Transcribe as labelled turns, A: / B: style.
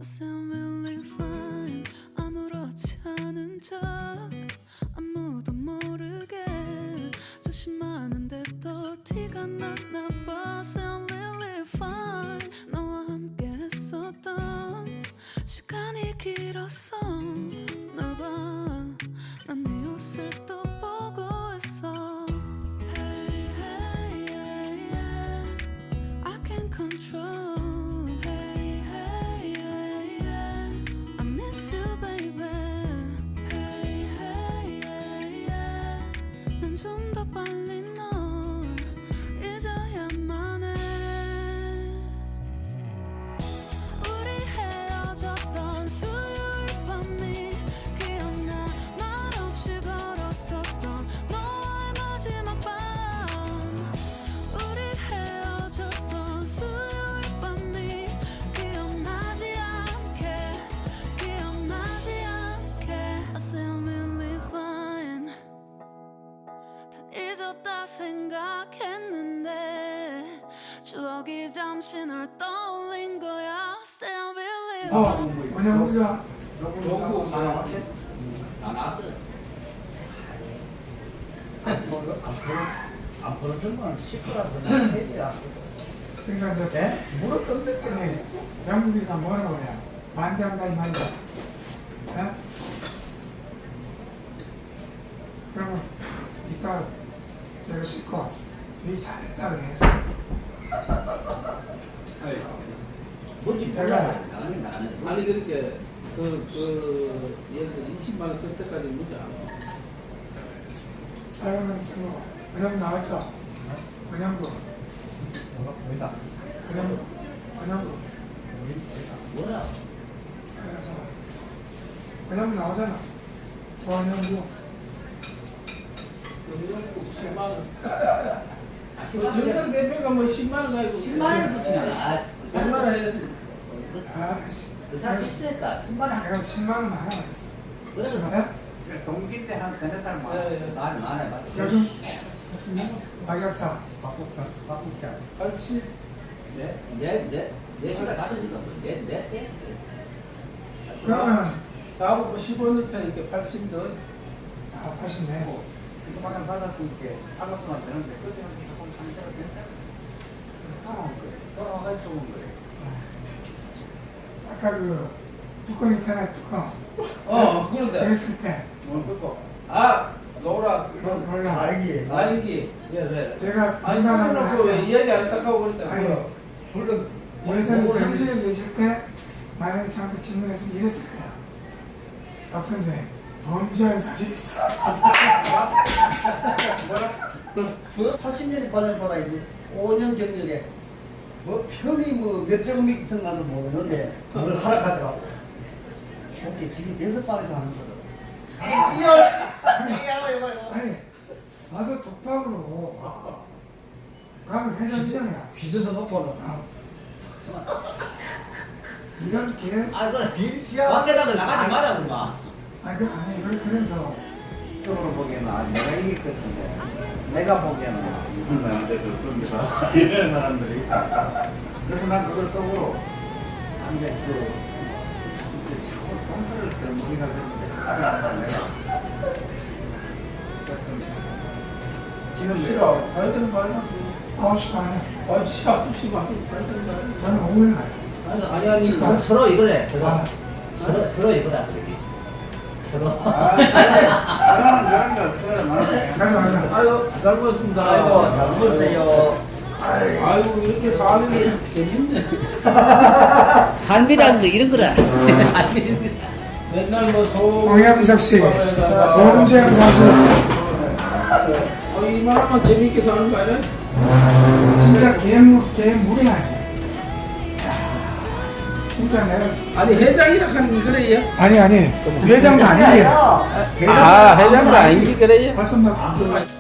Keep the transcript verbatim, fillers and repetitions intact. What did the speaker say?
A: sound really fine. 아무렇지 않은 척 아무도 모르게 조심하는데 또 티가 났나 봐. Sound really fine. 너와 함께 했었던 시간이 길었어. 나 봐, 난 네 옷을 또 보고 있어. Hey, hey, yeah, yeah. I can't control. Hey, hey, yeah, yeah. I miss you, baby. Hey, hey, yeah, yeah. 난 좀 더 빨리 널 잊어야만 해. 우리 헤어졌던 수요일 밤이 기억나. 말없이 걸었었던 너와의 마지막 밤. 우리 헤어졌던 수요일 밤이 기억나지 않게 기억나지 않게. I sound really fine. 다 잊었다 생각했는데 추억이 잠시 널 떠올린 거야. Sound really
B: 어,
A: fine.
B: 그냥 우리가
C: 요거 다 나왔어.
D: 앞으로 정말 시끄러워서 해야
B: 그러니까 이제
D: 무릎 던졌더니
B: 영국이가 뭐라고 해요? 반대한다 이 말이야. 예? 그러면 이따 제가 씻고 네 잘했다 그래서
D: 뭔지
B: 제가
D: 나가긴 나가는데
C: 아니 그렇게 그그 예를 이십만 원 쓸 때까지 묻지 않아.
B: 사용을 쓰고 그냥 나왔죠? 그냥도
D: 보인다
B: 그냥 그냥도
D: 뭐라
B: 그래서 그냥 나오잖아. 그냥도
C: 십만 원.
D: 아
C: 그 정당 대표가 뭐 십만 원 가지고
D: 십만 원 붙이나 아
C: 백만 원 해야지.
B: 아씨
D: 그 사람 실수했다 십만 원
B: 내가 십만 원 하나 했어.
D: 그래서
B: 예?
E: 동기인데 한 세네 달 만.
C: 예, 예.
D: 많이 많이 많이
B: 요즘 박약사
E: 바꾸자, 바꾸자.
C: 팔십.
E: 네.
D: 내내 네 시간 다섯 시간 내내
B: 그러면
C: 나하고 뭐 십오 년 차니까 팔십 더.
B: 아 팔십네.
E: 이거만 받았으니까 알았으면 되는데 그때는 조금 상태가 괜찮아. 돌아온 거래. 돌아와서 좋은 거래.
B: 아까 그 뚜껑 있잖아요, 뚜껑.
C: 어 그런데.
B: 했을 때
E: 뭘 듣고?
C: 아 노라.
B: 뭐- 몰라.
D: 알기
C: 아니기. 예 왜?
B: 제가
C: 아니
B: 민망한
C: 그러놓고 왜
B: 걸
C: 이야기 안 딱 하고 그랬잖아.
B: 아니
D: 물론
B: 예전에 현실에 계실 때 만약에 저한테 질문해서 이랬을 거야. 박 선생, 범죄한 사실 있어.
D: 그 팔십 년에 관련받아 이제 오 년 경력에 뭐 편이 뭐몇 제곱미터 가도 모르는데 그걸 하락하더라고. 오케이 지금 여섯 방에서 하는 거다. 이야,
B: 아니 와서 독박으로 가면 회장이잖아요.
D: 빚어서 놓고는.
B: 아. 이런 기회
D: 아, 그래 빚이야. 밖에다가 나가지 마라 그마.
B: 아니 그 아니 그 그래서
E: 쪽으로 보기에는 아, 내가 이길 것 같은데 내가 보기에는 이건 나한테 좋습니다. 이런 사람들이 있다. 그래서 난 그걸 속으로 안돼 그 이제 자꾸 동서를 때문이가 되는데 하지 않다 내가.
C: 지금 싫어. 가야 되는 거 아니야?
B: 아홉 시 반에
C: 아 씨 아홉 시 반에 가야 되는 거 아니야?
B: 저는 오후에 가요.
D: 아니 아니 아니 서- 서로 이거래. 서로
B: 아.
D: 서로 서로 이거다. 여기. 서로.
E: 아, 그런 그런 거 그래 맞아.
B: 가자 가자.
C: 아유 잘 먹었습니다.
D: 아이고 잘 먹었어요.
C: 아이고 이렇게 사는 게 재밌네.
D: 삶이라는 거 이런 거라.
C: 맨날 뭐 소.
B: 공양석 씨, 범죄한 사실
C: 어, 이만하면 재밌게 사는 거 아니야?
B: 진짜 개무 개무리하지. 진짜 내가
C: 아니 회장이라 하는 게 그래요?
B: 아니 아니 회장도 아니에요.
C: 아 회장도 아닌 게 그래요?
B: 와서 막